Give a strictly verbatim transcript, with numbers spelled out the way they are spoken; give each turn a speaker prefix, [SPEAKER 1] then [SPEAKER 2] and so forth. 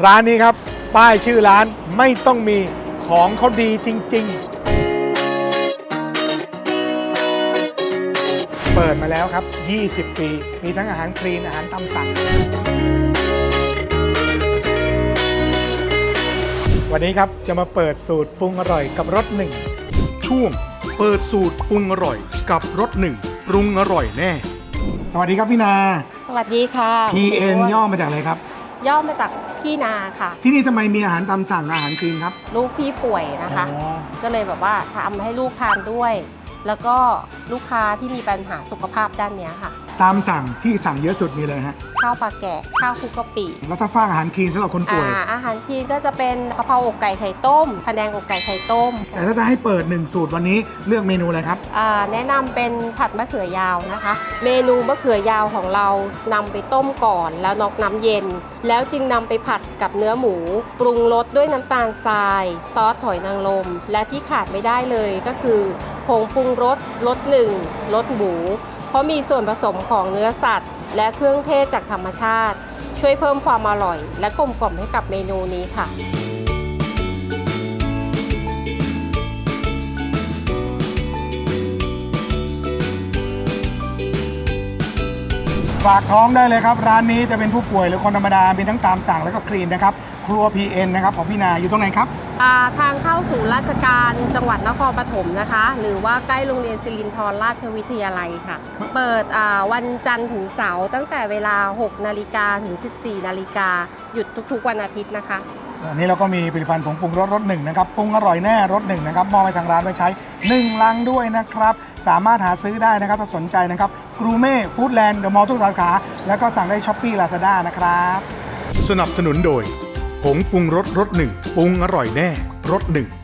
[SPEAKER 1] ร้านนี้ครับป้ายชื่อร้านไม่ต้องมีของเขาดีจริงๆเปิดมาแล้วครับยี่สิบปีมีทั้งอาหารคลีนอาหารตามสั่งวันนี้ครับจะมาเปิดสูตรปรุงอร่อยกับรสหนึ่ง
[SPEAKER 2] ช่วงเปิดสูตรปรุงอร่อยกับรสหนึ่งปรุงอร่อยแน่
[SPEAKER 1] สวัสดีครับพี่นา
[SPEAKER 3] สวัสดีค่ะ
[SPEAKER 1] พี เอ็น ย่อมาจากอะไรครับ
[SPEAKER 3] ย่อมาจากพี่นาค่ะ
[SPEAKER 1] ที่นี่ทำไมมีอาหารตามสั่งอาหารคลีนครับ
[SPEAKER 3] ลูกพี่ป่วยนะคะก็เลยแบบว่าทำให้ลูกทานด้วย แล้วก็ลูกค้าที่มีปัญหาสุขภาพด้านนี้ค่ะ
[SPEAKER 1] ตามสั่งที่สั่งเยอะสุดมีเลยฮะ
[SPEAKER 3] ข้าวปลาแกะข้าวคลุกกะปิ
[SPEAKER 1] แล้วถ้าฝากอาหารคลีนสำหรับคนป่วย
[SPEAKER 3] อาอาหารคลีนก็จะเป็นกะเพราอกไก่ไข่ต้มพะแนงอกไก่ไข่ต้ม
[SPEAKER 1] แต่ถ้าจะให้เปิดหนึ่งสูตรวันนี้เลือกเมนูอะไรครับ
[SPEAKER 3] แนะนำเป็นผัดมะเขือยาวนะคะ เมนูมะเขือยาวของเรานำไปต้มก่อนแล้วนอกน้ำเย็นแล้วจึงนำไปผัดกับเนื้อหมูปรุงรสด้วยน้ำตาลทรายซอสหอยนางรมและที่ขาดไม่ได้เลยก็คือผงปรุงรสรสหนึ่งรสหมูเพราะมีส่วนผสมของเนื้อสัตว์และเครื่องเทศจากธรรมชาติช่วยเพิ่มความอร่อยและกลมกล่อมให้กับเมนูนี้ค่ะ
[SPEAKER 1] ฝากท้องได้เลยครับร้านนี้จะเป็นผู้ป่วยหรือคนธรรมดามีทั้งตามสั่งแล้วก็คลีนนะครับครัว พี เอ็น นะครับของพี่นาอยู่ตรงไหนครับ
[SPEAKER 3] ทางเข้าสู่ราชการจังหวัดนครปฐมนะคะหรือว่าใกล้โรงเรียนศิรินทรราชวิทยาลัยค่ะเปิดวันจันทร์ถึงเสาร์ตั้งแต่เวลาหกนาฬิกาถึงสิบสี่นาฬิกาหยุดทุกๆวันอาทิตย์นะคะ
[SPEAKER 1] อันนี้เราก็มีผลิตภัณฑ์ผงปรุงรสรสหนึ่งนะครับปรุงอร่อยแน่รสหนึ่งนะครับมอบให้ทางร้านไว้ใช้หนึ่งลังด้วยนะครับสามารถหาซื้อได้นะครับถ้าสนใจนะครับกรูเม่ฟู้ดแลนด์เดอะมอลล์ทุกสาขาแล้วก็สั่งได้ช้อปปี้ลาซาด้านะครับ
[SPEAKER 2] สนับสนุนโดยผงปรุงรสรสหนึ่งปรุงอร่อยแน่รสหนึ่ง